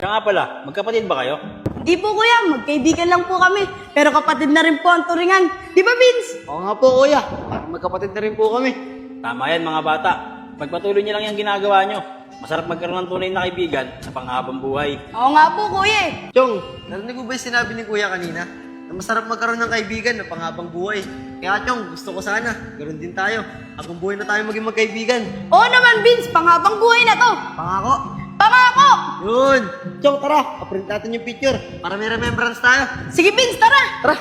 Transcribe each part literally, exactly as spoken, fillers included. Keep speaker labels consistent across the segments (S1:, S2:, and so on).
S1: Kaya nga pala, magkapatid ba kayo?
S2: Di po kuya, magkaibigan lang po kami. Pero kapatid na rin po ang turingan. Di ba Vince?
S3: Oo nga po kuya, magkapatid na rin po kami.
S1: Tama yan mga bata. Pagpatuloy niyo lang yung ginagawa niyo. Masarap magkaroon ng tunay na kaibigan sa panghabang buhay.
S2: Oo nga po kuya eh.
S3: Chong, narinig mo ba yung sinabi ni kuya kanina? Na masarap magkaroon ng kaibigan na panghabang buhay. Kaya Chong, gusto ko sana, ganoon din tayo. Habang buhay na tayo maging magkaibigan.
S2: Oo naman Vince, panghabang buhay na to.
S3: Pangako.
S2: Pangako!
S3: Yun! Chong, tara, paprint natin yung picture para may remembrance tayo.
S2: Sige Vince, tara!
S3: Tara!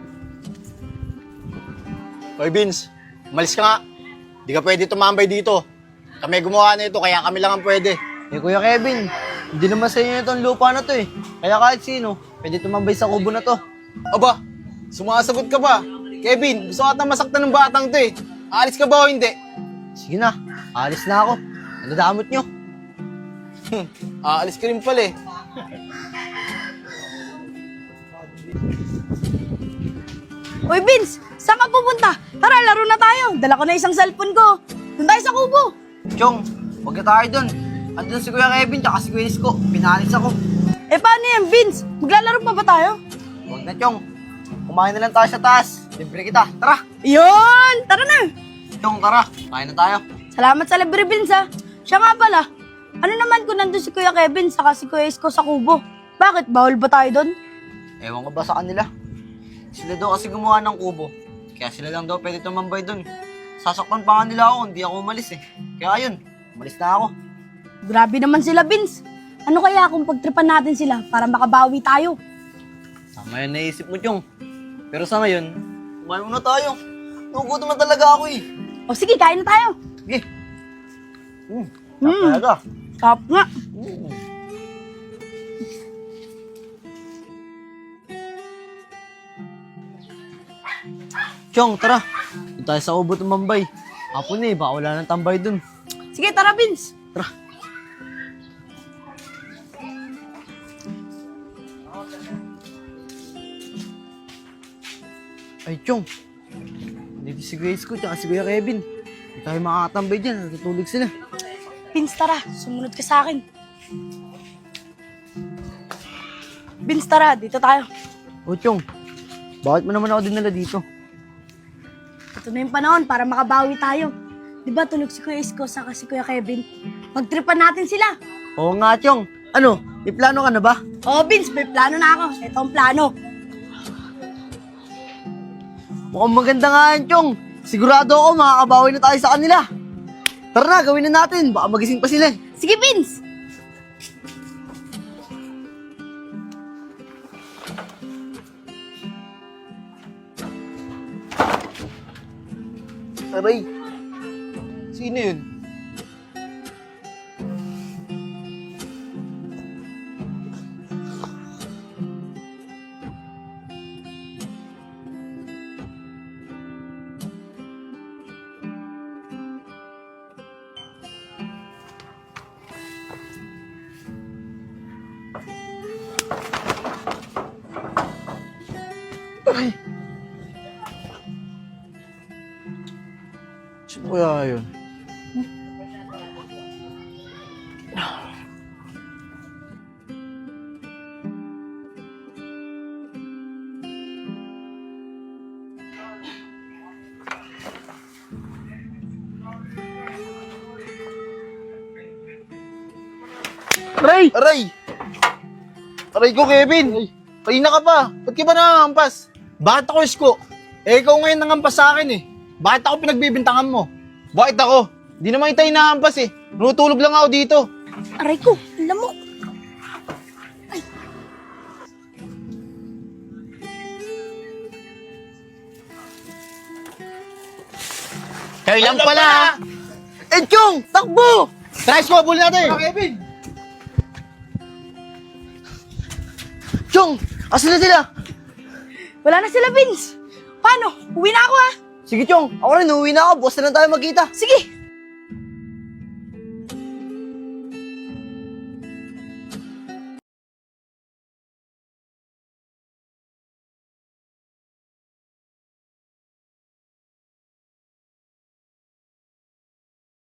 S4: Hoy Vince, umalis ka nga. Di ka pwede tumambay dito. Kami gumawa na ito, kaya kami lang ang pwede.
S3: Eh Kuya Kevin, hindi naman sa inyo itong lupa na to eh. Kaya kahit sino, pwede tumambay sa kubo na to.
S4: Aba, sumasagot ka ba? Kevin, gusto ka masaktan ng batang to eh. Aalis ka ba o hindi?
S3: Sige na, alis na ako. Nadadamot nyo.
S4: Aalis ka rin pala eh.
S2: Uy Vince, saan ka pupunta? Tara, laro na tayo. Dala ko na isang cellphone ko. Doon tayo sa kubo.
S3: Chong, huwag na tayo dun. Andun si Kuya Kevin, tsaka si Kuya Isko. Pinalis ako.
S2: Eh paano yan Vince? Maglalaro pa ba tayo?
S3: Huwag na Chong. Kumain na lang tayo sa taas. Libre kita. Tara!
S2: Yun! Tara na!
S3: Chong, tara. Kain na tayo.
S2: Salamat sa libre Vince ha. Siya nga pala. Ano naman kung nandun si Kuya Kevin saka si Kuya Isko sa kubo? Bakit? Bawal ba tayo doon?
S3: Ewan ko ba sa kanila? Sila daw kasi gumawa ng kubo. Kaya sila lang daw pwede tumambay dun. Sasaktan pa nga nila ako, hindi ako umalis eh. Kaya yun, umalis na ako.
S2: Grabe naman sila Vince. Ano kaya kung pagtripan natin sila para makabawi tayo?
S3: Tama yun naisip mo, Chong. Pero sa ngayon, kumain muna tayo. Nagugutom na talaga ako eh.
S2: O sige, kain na tayo.
S3: Sige. Hmm,
S2: Hmm.
S3: talaga.
S2: Sarap nga.
S3: Hmm. Chong, tara. Doon tayo sa kubo tumambay. Apo na eh, baka wala nang tambay dun.
S2: Sige, tara Vince.
S3: Tara. Ay, Chong. Dito si Grace ko, tsaka si Kuya Kevin. Hindi tayo makakatambay dyan, natutulog sila.
S2: Vince, tara. Sumunod ka sa akin. Vince, tara. Dito tayo.
S3: O, Chong. Bakit mo naman ako dinala dito?
S2: Ito na yung panahon para makabawi tayo. Di ba tulog si Kuya Isko saka si Kuya Kevin? Pagtripan natin sila.
S3: Oo nga, Chong. Ano, may plano ka na ba?
S2: Oo, Vince. May plano na ako. Ito ang plano.
S3: Mukhang maganda nga yan, Chong. Sigurado ako makakabawi na tayo sa kanila. Tara na, gawin na natin. Baka magising pa sila.
S2: Sige, Vince.
S4: Aray, sino yun? Aray! Sino kaya yun?
S3: Aray!
S4: Aray! Aray ko, Kevin! Kanina ka pa! Ba't ka ba nangangampas? Bakit ako, Isko? Eh, ikaw ngayon nangampas sa akin eh. Bakit ako pinagbibintangan mo? Bakit ako? Di naman tayo nangampas eh. Nutulog lang ako dito.
S2: Aray ko. Alam mo.
S4: Kayo lang pala!
S3: Eh, Chong! Takbo!
S4: Tara, Isko, bulin natin!
S3: Kevin! Chong! Asan na sila?
S2: Wala na sila, Vince. Paano? Uwi na ako ha.
S3: Sige, Chong. Ako rin, uuwi na ako. Bukas na lang tayo magkita.
S2: Sige.